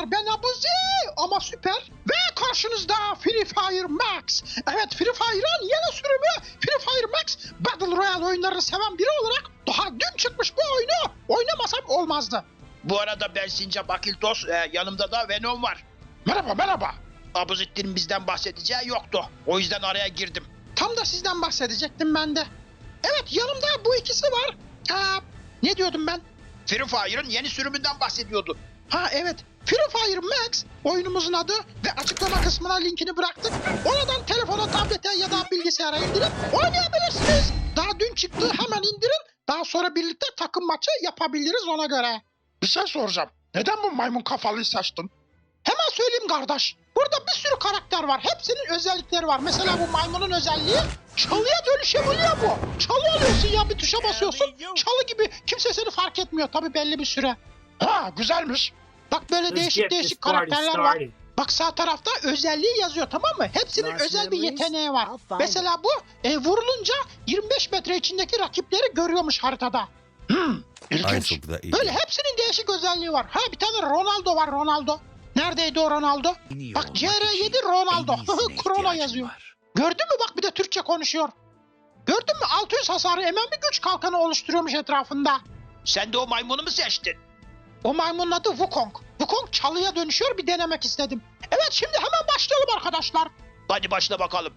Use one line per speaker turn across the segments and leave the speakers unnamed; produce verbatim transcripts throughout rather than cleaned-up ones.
arkadaşlar, ben Abuzi ama süper ve karşınızda Free Fire Max. Evet, Free Fire'ın yeni sürümü Free Fire Max. Battle Royale oyunlarını seven biri olarak daha dün çıkmış bu oyunu oynamasam olmazdı.
Bu arada ben Sincap Akiltos, e, yanımda da Venom var.
Merhaba merhaba.
Abuzittin'in bizden bahsedeceği yoktu. O yüzden araya girdim.
Tam da sizden bahsedecektim ben de. Evet, yanımda bu ikisi var. Aa, ne diyordum ben?
Free Fire'ın yeni sürümünden bahsediyordu.
Ha evet, Free Fire Max oyunumuzun adı ve açıklama kısmına linkini bıraktık. Oradan telefona, tablete ya da bilgisayara indirip oynayabilirsiniz. Daha dün çıktı, hemen indirin. Daha sonra birlikte takım maçı yapabiliriz ona göre. Bir şey soracağım. Neden bu maymun kafalıyı seçtin? Hemen söyleyeyim kardeş. Burada bir sürü karakter var. Hepsinin özellikleri var. Mesela bu maymunun özelliği çalıya dönüşebiliyor bu. Çalı oluyorsun ya, bir tuşa basıyorsun. Çalı gibi, kimse seni fark etmiyor tabii belli bir süre. Ha, güzelmiş. Bak böyle
Let's
değişik
get
değişik
this party
karakterler var.
started.
Bak sağ tarafta özelliği yazıyor, tamam mı? Hepsinin
Last
özel bir
memories?
yeteneği var.
I'll find
Mesela bu e, vurulunca yirmi beş metre içindeki rakipleri görüyormuş haritada. Hmm, ilginç. Böyle hepsinin değişik özelliği var. Ha, bir tane Ronaldo var, Ronaldo. Neredeydi o Ronaldo? Bak C R yedi Ronaldo. Krono yazıyor. Gördün mü, bak bir de Türkçe konuşuyor. Gördün mü, altı yüz hasarı emen bir güç kalkanı oluşturuyormuş etrafında.
Sen de o maymunu mu seçtin?
O maymunun adı Wukong. Wukong çalıya dönüşüyor, bir denemek istedim. Evet, şimdi hemen başlayalım arkadaşlar.
Hadi başla bakalım.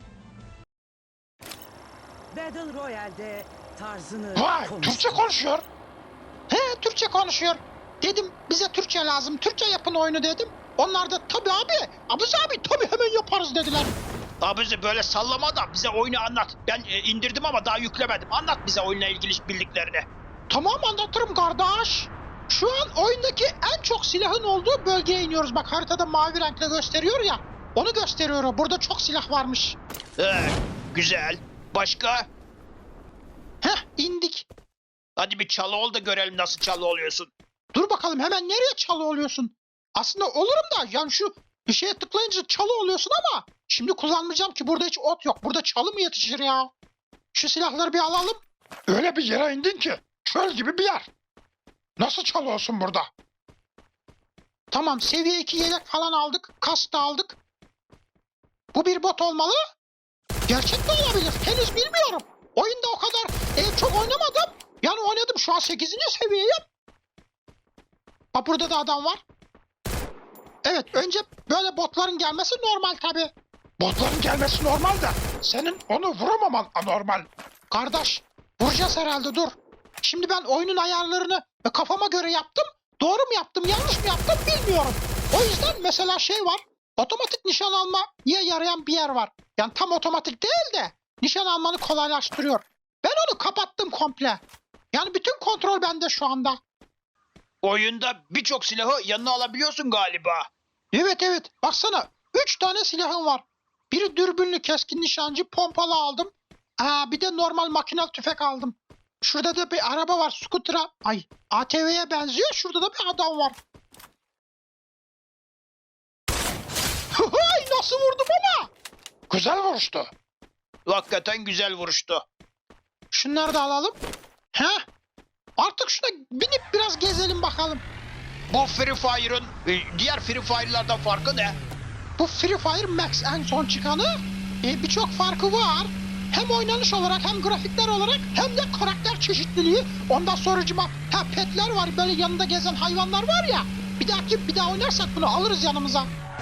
Battle Royale'de tarzını
Vay,
konuş.
Türkçe konuşuyor. He, Türkçe konuşuyor. Dedim bize Türkçe lazım, Türkçe yapın oyunu dedim. Onlar da tabii abi, Abuzi abi tabii hemen yaparız dediler.
Abuzi böyle sallama da bize oyunu anlat. Ben e, indirdim ama daha yüklemedim. Anlat bize oyunla ilgili bildiklerini.
Tamam, anlatırım kardeş. Şu an oyundaki en çok silahın olduğu bölgeye iniyoruz. Bak haritada mavi renkle gösteriyor ya. Onu gösteriyor o. Burada çok silah varmış.
Ee, güzel. Başka?
Heh, indik.
Hadi bir çalı ol da görelim nasıl çalı oluyorsun.
Dur bakalım, hemen nereye çalı oluyorsun? Aslında olurum da yani şu bir şeye tıklayınca çalı oluyorsun ama şimdi kullanmayacağım ki, burada hiç ot yok. Burada çalı mı yetişir ya? Şu silahları bir alalım. Öyle bir yere indin ki çöl gibi bir yer. Nasıl çalı olsun burada? Tamam, seviye iki yelek falan aldık. Kask da aldık. Bu bir bot olmalı. Gerçek de olabilir. Henüz bilmiyorum. Oyunda o kadar e, çok oynamadım. Yani oynadım, şu an sekizinci seviyeyim. Bak burada da adam var. Evet, önce böyle botların gelmesi normal tabi. Botların gelmesi normal de senin onu vuramaman anormal. Kardeş, vuracağız herhalde, dur. Şimdi ben oyunun ayarlarını kafama göre yaptım. Doğru mu yaptım, yanlış mı yaptım bilmiyorum. O yüzden mesela şey var. Otomatik nişan almaya yarayan bir yer var. Yani tam otomatik değil de nişan almanı kolaylaştırıyor. Ben onu kapattım komple. Yani bütün kontrol bende şu anda.
Oyunda birçok silahı yanına alabiliyorsun galiba.
Evet evet, baksana üç tane silahım var. Biri dürbünlü keskin nişancı, pompalı aldım. Aa, bir de normal makinalı tüfek aldım. Şurada da bir araba var, skutura. Ay, A T V'ye benziyor. Şurada da bir adam var. Ay, nasıl vurdum ama? Güzel vuruştu.
Hakikaten güzel vuruştu.
Şunları da alalım. Heh. Artık şuna binip biraz gezelim bakalım.
Bu Free Fire'ın e, diğer Free Fire'lardan farkı ne?
Bu Free Fire Max en son çıkanı. E, birçok farkı var. Hem oynanış olarak hem grafikler olarak hem de karakter çeşitliliği. Ondan sonracıma ha, petler var, böyle yanında gezen hayvanlar var ya. Bir dahaki bir daha oynarsak bunu alırız yanımıza.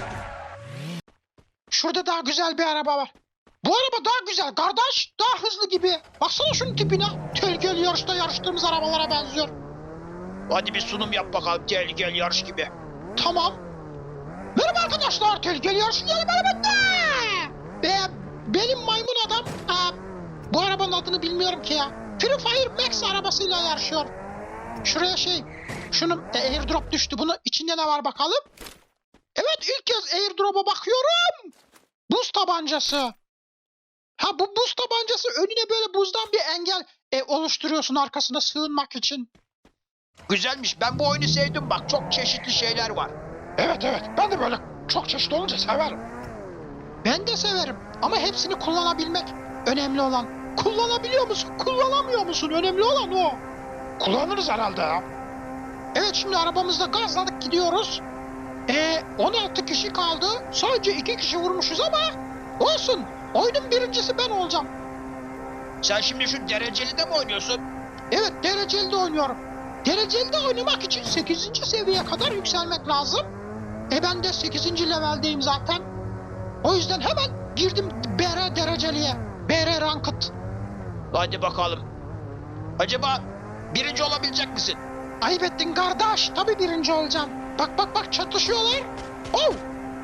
Şurada daha güzel bir araba var. Bu araba daha güzel kardeş, daha hızlı gibi. Baksana şunun tipine. Tehlikeli yarışta yarıştığımız arabalara benziyor.
Hadi bir sunum yap bakalım, tehlikeli yarış gibi.
Tamam. Merhaba arkadaşlar, tehlikeli yarışın yeni bölümünde. Be, benim maymun adam. Aa, bu arabanın adını bilmiyorum ki ya. Free Fire Max arabasıyla yarışıyor. Şuraya şey, şunun e, airdrop düştü. Bunun içinde ne var bakalım. Evet, ilk kez airdrop'a bakıyorum. Buz tabancası. Ha, bu buz tabancası önüne böyle buzdan bir engel e, oluşturuyorsun arkasına sığınmak için.
Güzelmiş. Ben bu oyunu sevdim bak. Çok çeşitli şeyler var.
Evet evet, ben de böyle çok çeşitli olunca severim. Ben de severim ama hepsini kullanabilmek önemli olan. Kullanabiliyor musun, kullanamıyor musun? Önemli olan o. Kullanırız herhalde ya. Evet, şimdi arabamızda gazladık gidiyoruz. E on altı kişi kaldı. Sadece iki kişi vurmuşuz ama olsun. Oyunun birincisi ben olacağım.
Sen şimdi şu dereceli de mi oynuyorsun?
Evet, dereceli de oynuyorum. Dereceli de oynamak için sekizinci seviyeye kadar yükselmek lazım. E ben de sekizinci leveldeyim zaten. O yüzden hemen girdim B R dereceliye. B R Ranked.
Hadi bakalım. Acaba birinci olabilecek misin?
Ayıp ettin kardeş. Tabii birinci olacağım. Bak bak bak çatışıyorlar. Oh!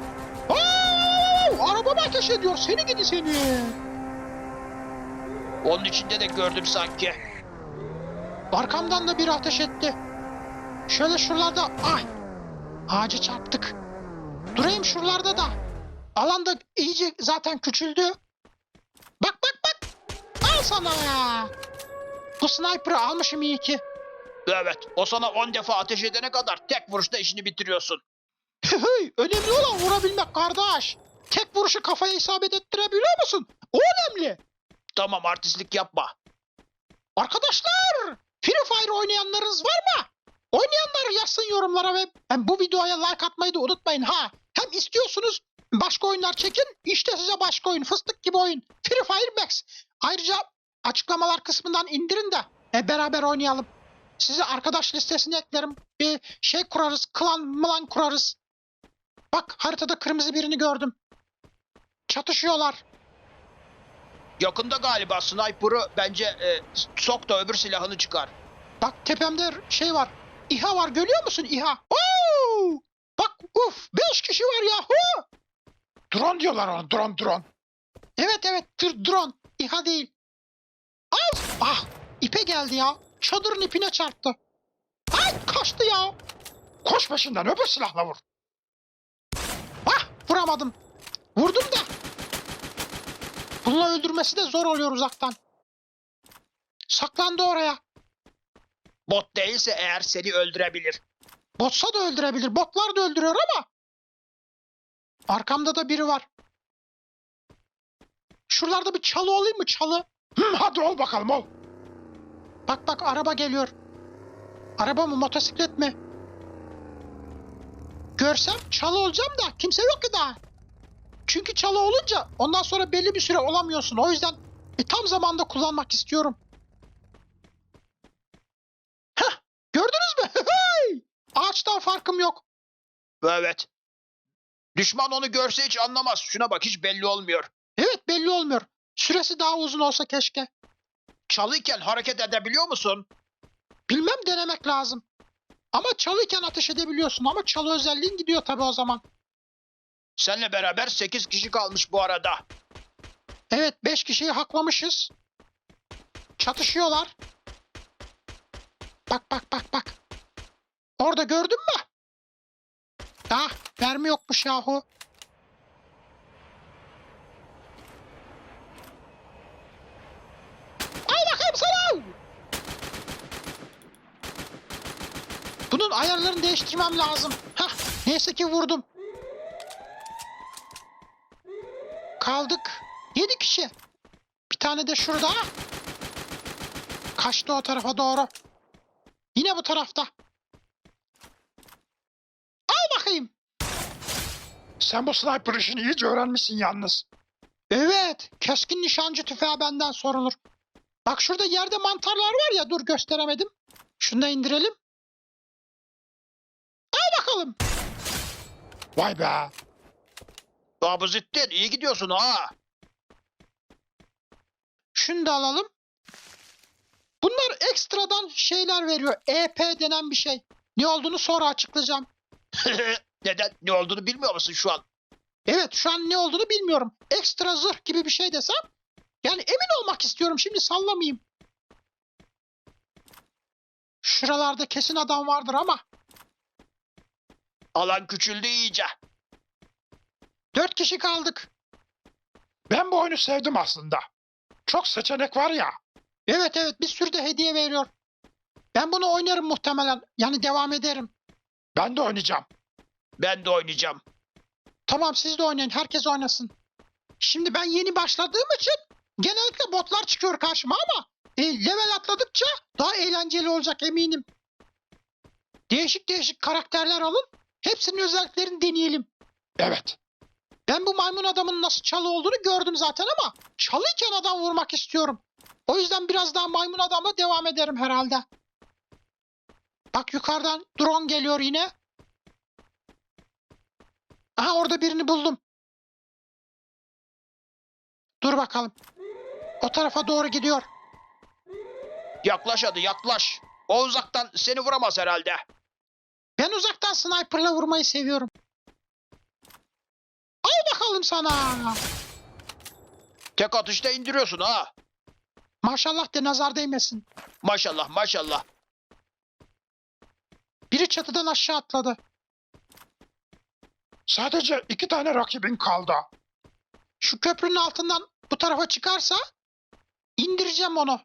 Oh! Arabama ateş ediyor. Seni gidi seni.
Onun içinde de gördüm sanki.
Arkamdan da biri ateş etti. Şöyle şuralarda... Ay! Ağaca çarptık. Durayım şuralarda da. Alan da iyice zaten küçüldü. Bak bak bak. Al sana ya. Bu sniper'ı almışım iyi ki.
Evet, o sana on defa ateş edene kadar tek vuruşta işini bitiriyorsun.
Hey, önemli olan vurabilmek kardeş. Tek vuruşu kafaya isabet ettirebiliyor musun? O önemli.
Tamam, artistlik yapma.
Arkadaşlar, Free Fire oynayanlarınız var mı? Oynayanlar yazsın yorumlara ve hem bu videoya like atmayı da unutmayın ha. Hem istiyorsunuz başka oyunlar çekin, işte size başka oyun, fıstık gibi oyun. Free Fire Max. Ayrıca açıklamalar kısmından indirin de e, beraber oynayalım. Sizi arkadaş listesine eklerim. Bir şey kurarız, klan mılan kurarız. Bak haritada kırmızı birini gördüm. Çatışıyorlar.
Yakında galiba sniper'ı bence e, sok da öbür silahını çıkar.
Bak tepemde şey var. İHA var, görüyor musun İHA? Oo! Bak uf, beş kişi var yahu.
Drone diyorlar ona, drone drone.
Evet evet, tır drone. İHA değil. Al! Ah! İpe geldi ya. Çadırın ipine çarptı. Ay kaçtı ya.
Koş peşinden, öbür silahla vur.
Ah! Vuramadım. Vurdum da. Bununla öldürmesi de zor oluyor uzaktan. Saklandı oraya.
Bot değilse eğer seni öldürebilir.
Botsa da öldürebilir. Botlar da öldürüyor ama. Arkamda da biri var. Şuralarda bir çalı olayım mı, çalı?
Hı, hadi ol bakalım ol.
Bak bak araba geliyor. Araba mı, motosiklet mi? Görsem çalı olacağım da kimse yok ki daha. Çünkü çalı olunca ondan sonra belli bir süre olamıyorsun. O yüzden e, tam zamanda kullanmak istiyorum. Heh, gördünüz mü? Hey! Ağaçtan farkım yok.
Evet. Düşman onu görse hiç anlamaz. Şuna bak, hiç belli olmuyor.
Evet, belli olmuyor. Süresi daha uzun olsa keşke.
Çalıyken hareket edebiliyor musun?
Bilmem, denemek lazım. Ama çalıyken ateş edebiliyorsun ama çalı özelliğin gidiyor tabii o zaman.
Seninle beraber sekiz kişi kalmış bu arada.
Evet, beş kişiyi haklamışız. Çatışıyorlar. Bak bak bak bak. Orada gördün mü? Ah, mermi yokmuş yahu. Al bakayım sana. Bunun ayarlarını değiştirmem lazım. Hah, neyse ki vurdum. Kaldık. Yedi kişi. Bir tane de şurada. Kaçtı o tarafa doğru. Yine bu tarafta. Al bakayım.
Sen bu sniper işini iyice öğrenmişsin yalnız.
Evet. Keskin nişancı tüfeği benden sorulur. Bak şurada yerde mantarlar var ya. Dur gösteremedim. Şunu da indirelim. Al bakalım.
Vay be.
Babuzittin, iyi gidiyorsun ha.
Şunu da alalım. Bunlar ekstradan şeyler veriyor. E P denen bir şey. Ne olduğunu sonra açıklayacağım.
Neden? Ne olduğunu bilmiyor musun şu an?
Evet, şu an ne olduğunu bilmiyorum. Ekstra zırh gibi bir şey desem. Yani emin olmak istiyorum, şimdi sallamayayım. Şuralarda kesin adam vardır ama.
Alan küçüldü iyice.
Dört kişi kaldık.
Ben bu oyunu sevdim aslında. Çok seçenek var ya.
Evet evet, bir sürü de hediye veriyor. Ben bunu oynarım muhtemelen. Yani devam ederim.
Ben de oynayacağım.
Ben de oynayacağım.
Tamam, siz de oynayın. Herkes oynasın. Şimdi ben yeni başladığım için genellikle botlar çıkıyor karşıma ama e, level atladıkça daha eğlenceli olacak eminim. Değişik değişik karakterler alın. Hepsinin özelliklerini deneyelim.
Evet.
Ben bu maymun adamın nasıl çalı olduğunu gördüm zaten ama çalıyken adam vurmak istiyorum. O yüzden biraz daha maymun adamla devam ederim herhalde. Bak yukarıdan drone geliyor yine. Aha orada birini buldum. Dur bakalım. O tarafa doğru gidiyor.
Yaklaş hadi yaklaş. O uzaktan seni vuramaz herhalde.
Ben uzaktan sniperla vurmayı seviyorum. Al bakalım sana.
Tek atışta indiriyorsun ha.
Maşallah de nazar değmesin.
Maşallah maşallah.
Biri çatıdan aşağı atladı.
Sadece iki tane rakibin kaldı.
Şu köprünün altından bu tarafa çıkarsa indireceğim onu.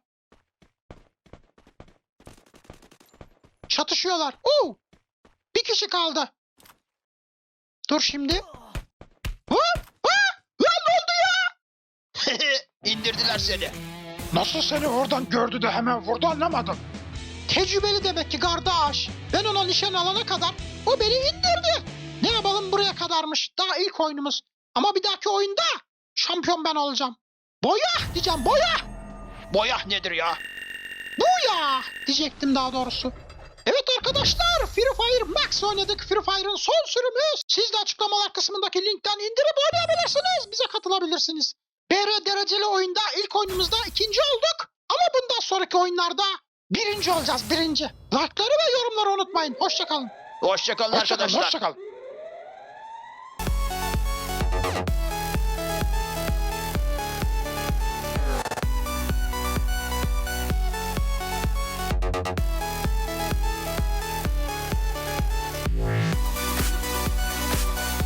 Çatışıyorlar. Oo! Bir kişi kaldı. Dur şimdi. Ha? Ha? Lan ne oldu ya?
İndirdiler seni.
Nasıl seni oradan gördü de hemen vurdu anlamadım.
Tecrübeli demek ki kardeş. Ben ona nişan alana kadar o beni indirdi. Ne yapalım buraya kadarmış. Daha ilk oyunumuz. Ama bir dahaki oyunda şampiyon ben olacağım. Boya diyeceğim boya.
Boyah nedir ya?
Buya diyecektim daha doğrusu. Evet arkadaşlar Free Fire Max oynadık. Free Fire'ın son sürümü. Siz de açıklamalar kısmındaki linkten indirip oynayabilirsiniz. Bize katılabilirsiniz. B R dereceli oyunda ilk oyunumuzda ikinci olduk. Ama bundan sonraki oyunlarda birinci olacağız birinci. Like'ları ve yorumları unutmayın. Hoşçakalın.
Hoşçakalın
Hoşçakalın,
arkadaşlar.
hoşçakalın.